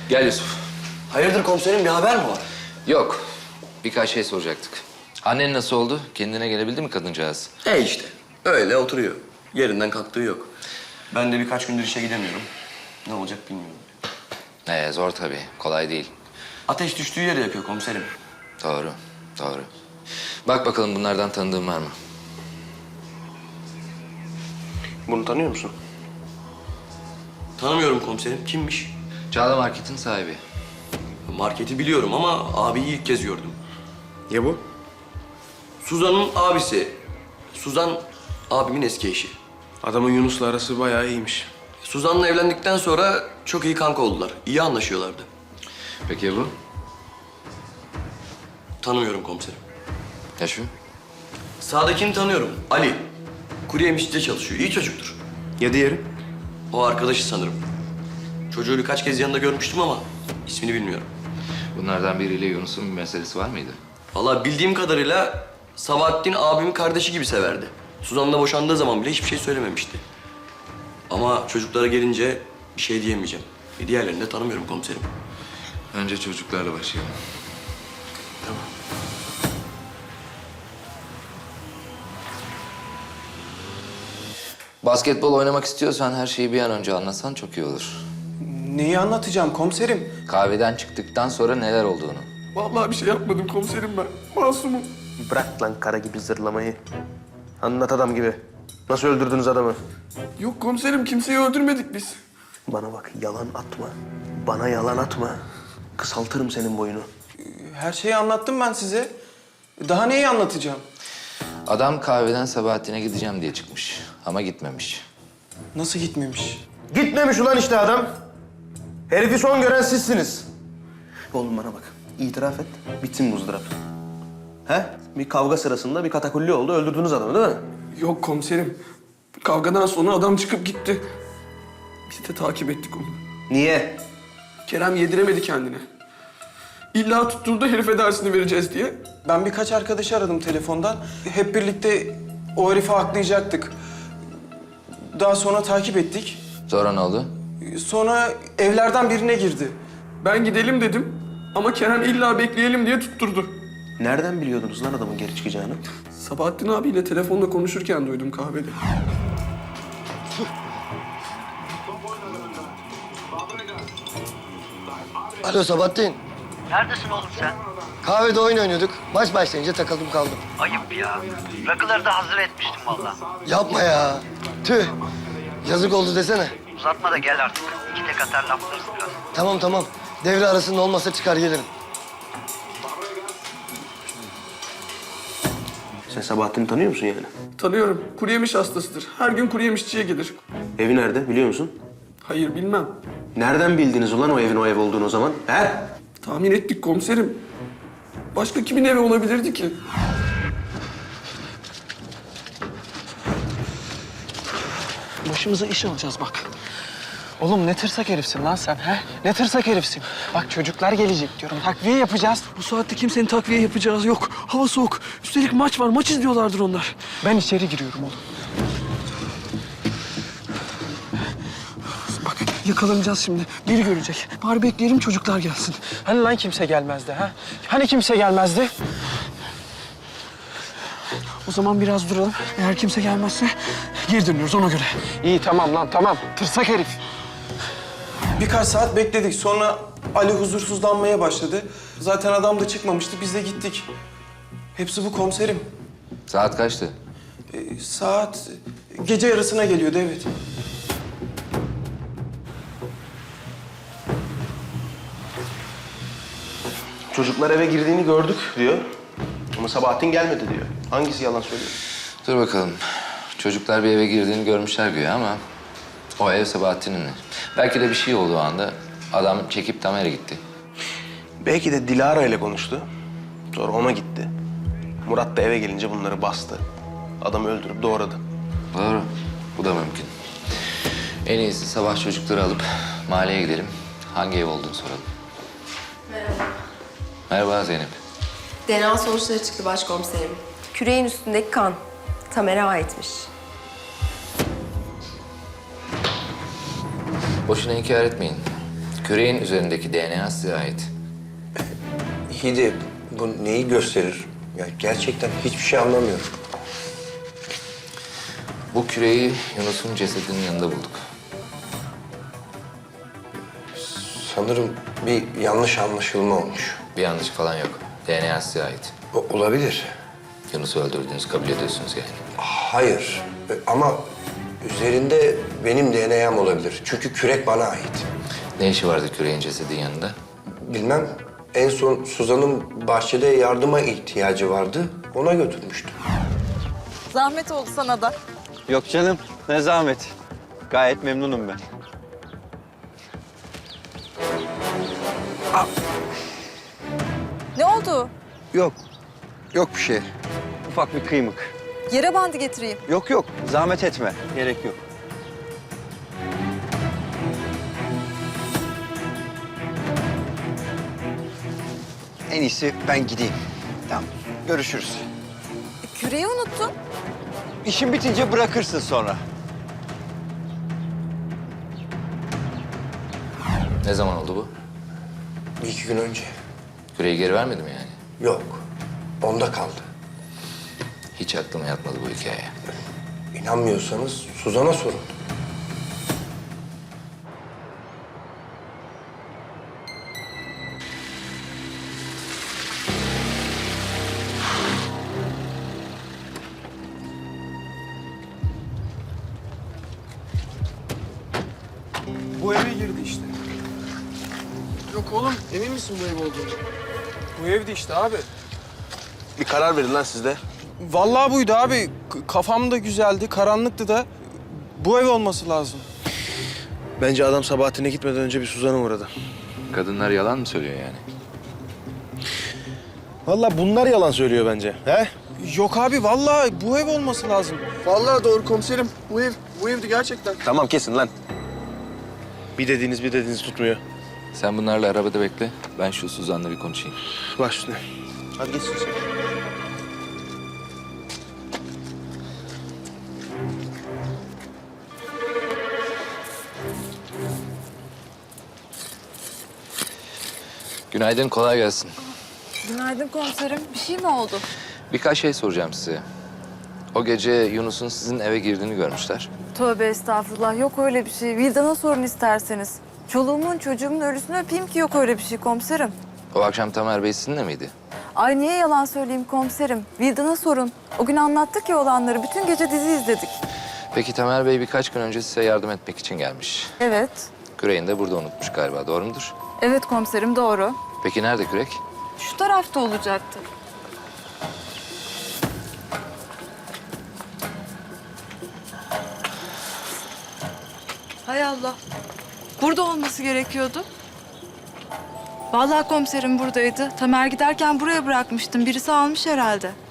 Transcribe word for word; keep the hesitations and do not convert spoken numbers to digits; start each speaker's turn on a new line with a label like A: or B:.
A: Gel Yusuf.
B: Hayırdır komiserim, bir haber mi var?
A: Yok. Birkaç şey soracaktık. Annen nasıl oldu? Kendine gelebildi mi kadıncağız?
B: E işte, öyle oturuyor. Yerinden kalktığı yok. Ben de birkaç gündür işe gidemiyorum. Ne olacak bilmiyorum.
A: Ee, zor tabii. Kolay değil.
B: Ateş düştüğü yere yakıyor komiserim.
A: Doğru. Doğru. Bak bakalım bunlardan tanıdığın var mı?
B: Bunu tanıyor musun? Tanımıyorum komiserim. Kimmiş?
A: Çağla Market'in sahibi.
B: Marketi biliyorum ama abiyi ilk kez gördüm.
C: Ya bu?
B: Suzan'ın abisi. Suzan abimin eski eşi.
C: Adamın Yunus'la arası bayağı iyiymiş.
B: Suzan'la evlendikten sonra çok iyi kanka oldular. İyi anlaşıyorlardı.
A: Peki ya bu?
B: Tanımıyorum komiserim.
A: Ya şu?
B: Sağdakini tanıyorum. Ali. Kuru yemişçide çalışıyor. İyi çocuktur.
C: Ya diğeri?
B: O arkadaşı sanırım. Çocuğu birkaç kez yanında görmüştüm ama ismini bilmiyorum.
A: Bunlardan biriyle Yunus'un bir meselesi var mıydı?
B: Vallahi bildiğim kadarıyla Sabahattin abimin kardeşi gibi severdi. Suzan'la boşandığı zaman bile hiçbir şey söylememişti. Ama çocuklara gelince bir şey diyemeyeceğim. E diğerlerini de tanımıyorum komiserim.
A: Önce çocuklarla başlayalım.
B: Tamam.
A: Basketbol oynamak istiyorsan her şeyi bir an önce anlatsan çok iyi olur.
D: Neyi anlatacağım komiserim?
A: Kahveden çıktıktan sonra neler olduğunu.
E: Vallahi bir şey yapmadım komiserim ben. Masumum.
C: Bırak lan kara gibi zırlamayı. Anlat adam gibi. Nasıl öldürdünüz adamı?
E: Yok komiserim kimseyi öldürmedik biz.
C: Bana bak yalan atma. Bana yalan atma. Kısaltırım senin boyunu.
D: Her şeyi anlattım ben size. Daha neyi anlatacağım?
A: Adam kahveden Sabahattin'e gideceğim diye çıkmış. Ama gitmemiş.
D: Nasıl gitmemiş?
C: Gitmemiş ulan işte adam. Herifi son gören sizsiniz. Oğlum bana bak. İtiraf et. Bitsin bu ızdırap. He? Bir kavga sırasında bir katakulli oldu. Öldürdünüz adamı değil mi?
E: Yok komiserim. Kavgadan sonra adam çıkıp gitti. Biz de takip ettik onu.
C: Niye?
E: Kerem yediremedi kendine. İlla tutturdu herife dersini vereceğiz diye.
D: Ben birkaç arkadaşı aradım telefondan. Hep birlikte o herifi haklayacaktık. Daha sonra takip ettik.
A: Sonra ne oldu?
D: Sonra evlerden birine girdi.
E: Ben gidelim dedim ama Kerem illa bekleyelim diye tutturdu.
C: Nereden biliyordunuz lan adamın geri çıkacağını?
E: Sabahattin abiyle telefonla konuşurken duydum kahvede.
F: Alo Sabahattin.
G: Neredesin oğlum sen?
F: Kahvede oyun oynuyorduk. Maç başlayınca takıldım kaldım.
G: Ayıp ya. Rakıları da hazır etmiştim vallahi.
F: Yapma ya. Tüh. Yazık oldu desene.
G: Uzatma da gel artık. İki tek atar laflarız biraz.
F: Tamam tamam. Devre arasında olmasa çıkar gelirim.
C: Sen Sabahattin'i tanıyor musun yani?
E: Tanıyorum. Kuru yemiş hastasıdır. Her gün kuru yemişçiye gelir.
C: Evi nerede biliyor musun?
E: Hayır bilmem.
C: Nereden bildiniz ulan o evin o ev olduğunu o zaman? He?
E: Tahmin ettik komiserim. Başka kimin evi olabilirdi ki?
H: Başımıza iş alacağız bak. Oğlum ne tırsak herifsin lan sen he? Ne tırsak herifsin. Bak çocuklar gelecek diyorum. Takviye yapacağız.
E: Bu saatte kimsenin takviye yapacağı yok. Hava soğuk. Üstelik maç var. Maç izliyorlardır onlar.
H: Ben içeri giriyorum oğlum. Bak yakalanacağız şimdi. Biri görecek. Bari bekleyelim çocuklar gelsin. Hani lan kimse gelmezdi ha? Hani kimse gelmezdi? O zaman biraz duralım. Eğer kimse gelmezse geri dönüyoruz ona göre. İyi tamam lan tamam. Tırsak herif.
D: Birkaç saat bekledik. Sonra Ali huzursuzlanmaya başladı. Zaten adam da çıkmamıştı. Biz de gittik. Hepsi bu komiserim.
A: Saat kaçtı?
D: Ee, saat gece yarısına geliyordu evet.
C: Çocuklar eve girdiğini gördük diyor. Ama Sabahattin gelmedi diyor. Hangisi yalan söylüyor?
A: Dur bakalım. Çocuklar bir eve girdiğini görmüşler güya ama... o ev Sabahattin'in. Belki de bir şey oldu o anda. Adam çekip Tamer'e gitti.
C: Belki de Dilara ile konuştu. Sonra ona gitti. Murat da eve gelince bunları bastı. Adamı öldürüp doğradı.
A: Doğru. Bu da mümkün. En iyisi sabah çocukları alıp mahalleye gidelim. Hangi ev olduğunu soralım.
I: Merhaba.
A: Merhaba Zeynep.
I: D N A sonuçları çıktı başkomiserim. Küreğin üstündeki kan Tamer'e aitmiş.
A: Boşuna inkar etmeyin. Küreğin üzerindeki D N A size ait.
J: İyi de bu neyi gösterir? Ya gerçekten hiçbir şey anlamıyorum.
A: Bu küreği Yunus'un cesedinin yanında bulduk.
J: Sanırım bir yanlış anlaşılma olmuş.
A: Bir yanlış falan yok. D N A size ait.
J: O- olabilir.
A: Yunus'u öldürdüğünüzü kabul ediyorsunuz yani.
J: Hayır E, ama üzerinde benim D N A'm olabilir. Çünkü kürek bana ait.
A: Ne işi vardı küreğin cesedin yanında?
J: Bilmem, en son Suzan'ın bahçede yardıma ihtiyacı vardı. Ona götürmüştüm.
K: Zahmet oldu sana da.
L: Yok canım, ne zahmet. Gayet memnunum ben.
K: Ne oldu?
L: Yok, yok bir şey. Ufak bir kıymık.
K: Yere bandı getireyim.
L: Yok yok, zahmet etme. Gerek yok. En iyisi ben gideyim. Tamam, görüşürüz.
K: Küreği unuttun.
L: İşin bitince bırakırsın sonra.
A: Ne zaman oldu bu?
J: Bir iki gün önce.
A: Küreği geri vermedi mi yani?
J: Yok, onda kaldı.
A: Hiç aklıma yatmadı bu hikaye.
J: İnanmıyorsanız Suzan'a sorun.
D: Bu eve girdi işte.
E: Yok oğlum, emin misin bu ev olduğunu?
D: Bu evdi işte abi.
C: Bir karar verin lan siz de.
D: Vallahi buydu abi. K- kafam da güzeldi, karanlıktı da. Bu ev olması lazım.
C: Bence adam Sabahattin'e gitmeden önce bir Suzan'a uğradı.
A: Kadınlar yalan mı söylüyor yani?
C: Vallahi bunlar yalan söylüyor bence. He?
D: Yok abi, vallahi bu ev olması lazım.
E: Vallahi doğru komiserim. Bu ev, bu evdi gerçekten.
C: Tamam kesin lan. Bir dediğiniz bir dediğiniz tutmuyor.
A: Sen bunlarla arabada bekle. Ben şu Suzan'la bir konuşayım.
C: Baş üstüne. Hadi geç sen.
A: Günaydın, kolay gelsin.
K: Günaydın komiserim. Bir şey mi oldu?
A: Birkaç şey soracağım size. O gece Yunus'un sizin eve girdiğini görmüşler.
K: Tövbe estağfurullah. Yok öyle bir şey. Vildan'a sorun isterseniz. Çoluğumun çocuğumun ölüsünü öpeyim ki yok öyle bir şey komiserim.
A: O akşam Tamer Bey sizinle miydi?
K: Ay niye yalan söyleyeyim komiserim? Vildan'a sorun. O gün anlattık ya olanları. Bütün gece dizi izledik.
A: Peki Tamer Bey birkaç gün önce size yardım etmek için gelmiş.
K: Evet.
A: Küreğini de burada unutmuş galiba, doğru mudur?
K: Evet komiserim doğru.
A: Peki nerede kürek?
K: Şu tarafta olacaktı. Hay Allah. Burada olması gerekiyordu. Vallahi komiserim buradaydı. Tamer giderken buraya bırakmıştım. Birisi almış herhalde.